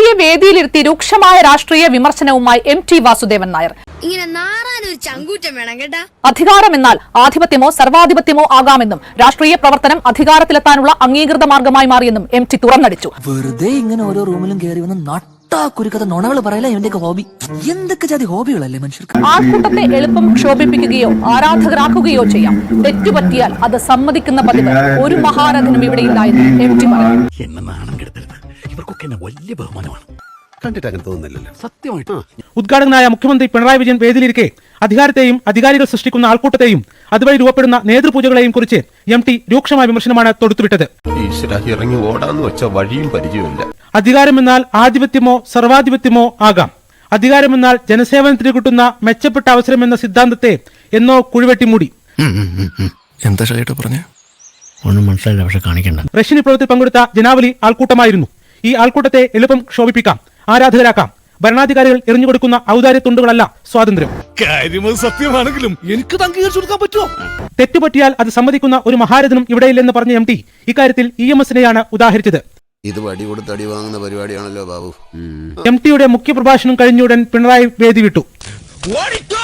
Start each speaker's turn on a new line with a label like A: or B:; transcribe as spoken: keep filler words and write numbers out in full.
A: മോദിയെ വേദിയിലിരുത്തി രൂക്ഷമായ രാഷ്ട്രീയ വിമർശനവുമായി എം ടി വാസുദേവൻ നായർ.
B: ഇങ്ങനെ നാറാനൊരു ചങ്കൂറ്റം വേണം കേട്ടാ.
A: അധികാരമെന്നാൽ ആധിപത്യമോ സർവാധിപത്യമോ ആകാമെന്നും രാഷ്ട്രീയ പ്രവർത്തനം അധികാരത്തിലെത്താനുള്ള അംഗീകൃത മാർഗമായി മാറിയെന്നും എം ടി തുറന്നടിച്ചു.
C: വെറുതെ ഇങ്ങനെ ഓരോ റൂമിലും കയറി വന്ന് നട്ടാക്കുരുക്കഥ നുണകൾ പറയല ഇവന്റെയൊക്കെ ഹോബി. എന്തൊക്കെ ജാതി ഹോബികളല്ലേ മനുഷ്യർക്ക്.
A: ആൾക്കൂട്ടത്തെ എളുപ്പം ക്ഷോഭിപ്പിക്കുകയോ ആരാധകരാക്കുകയോ ചെയ്യാം. തെറ്റുപറ്റിയാൽ അത് സമ്മതിക്കുന്ന പതിവ് ഒരു മഹാരഥനും ഇവിടെയില്ല എന്ന് എം ടി പറഞ്ഞു.
D: എന്നെ നാണം കെടുത്തരുത്. ഇവർക്കൊക്കെ എന്നെ വലിയ ബഹുമാനമാണ്. കണ്ടിട്ട് അങ്ങനെ തോന്നുന്നില്ലല്ലോ. സത്യമായിട്ട്
E: ഉദ്ഘാടകനായ മുഖ്യമന്ത്രി പിണറായി വിജയൻ വേദിയിലിരിക്കെ അധികാരത്തെയും അധികാരികൾ സൃഷ്ടിക്കുന്ന ആൾക്കൂട്ടത്തെയും അതുവഴി രൂപപ്പെടുന്ന നേതൃപൂജകളെയും കുറിച്ച് എം ടി രൂക്ഷമായ വിമർശനമാണ് തൊടുത്തുവിട്ടത്.
F: ഇറങ്ങി ഓടാന്ന് വെച്ച വഴിയും പരിചയമില്ല.
E: അധികാരമെന്നാൽ ആധിപത്യമോ സർവാധിപത്യമോ ആകാം. അധികാരമെന്നാൽ ജനസേവനത്തിന് കിട്ടുന്ന മെച്ചപ്പെട്ട അവസരം എന്ന സിദ്ധാന്തത്തെ എന്നോ കുഴിവെട്ടി മൂടി.
F: എന്താ പറഞ്ഞ
D: ഒന്നും മനസ്സിലായില്ല, പക്ഷെ കാണിക്കണ്ട.
E: റഷ്യൻ വിപ്ലവത്തിൽ പങ്കെടുത്ത ജനാവലി ആൾക്കൂട്ടമായിരുന്നു. ഈ ആൾക്കൂട്ടത്തെ എളുപ്പം ക്ഷോഭിപ്പിക്കാം, ആരാധകരാക്കാം. ഭരണാധികാരികൾ എറിഞ്ഞുകൊടുക്കുന്ന ഔദാര്യ തുണ്ടുകളല്ല സ്വാതന്ത്ര്യം.
D: സത്യമാണെങ്കിലും എനിക്ക് അംഗീകരിച്ചു കൊടുക്കാൻ പറ്റുമോ?
E: തെറ്റുപറ്റിയാൽ അത് സമ്മതിക്കുന്ന ഒരു മഹാരഥനും ഇവിടെയില്ലെന്ന് പറഞ്ഞ എം ടി ഇക്കാര്യത്തിൽ ഇ എം എസിനെയാണ് ഉദാഹരിച്ചത്.
F: ഇത് വടി കൊടുത്ത് അടി വാങ്ങുന്ന പരിപാടിയാണല്ലോ ബാബു.
E: എം ടിയുടെ മുഖ്യപ്രഭാഷണം കഴിഞ്ഞുടൻ പിണറായി വേദി വിട്ടു.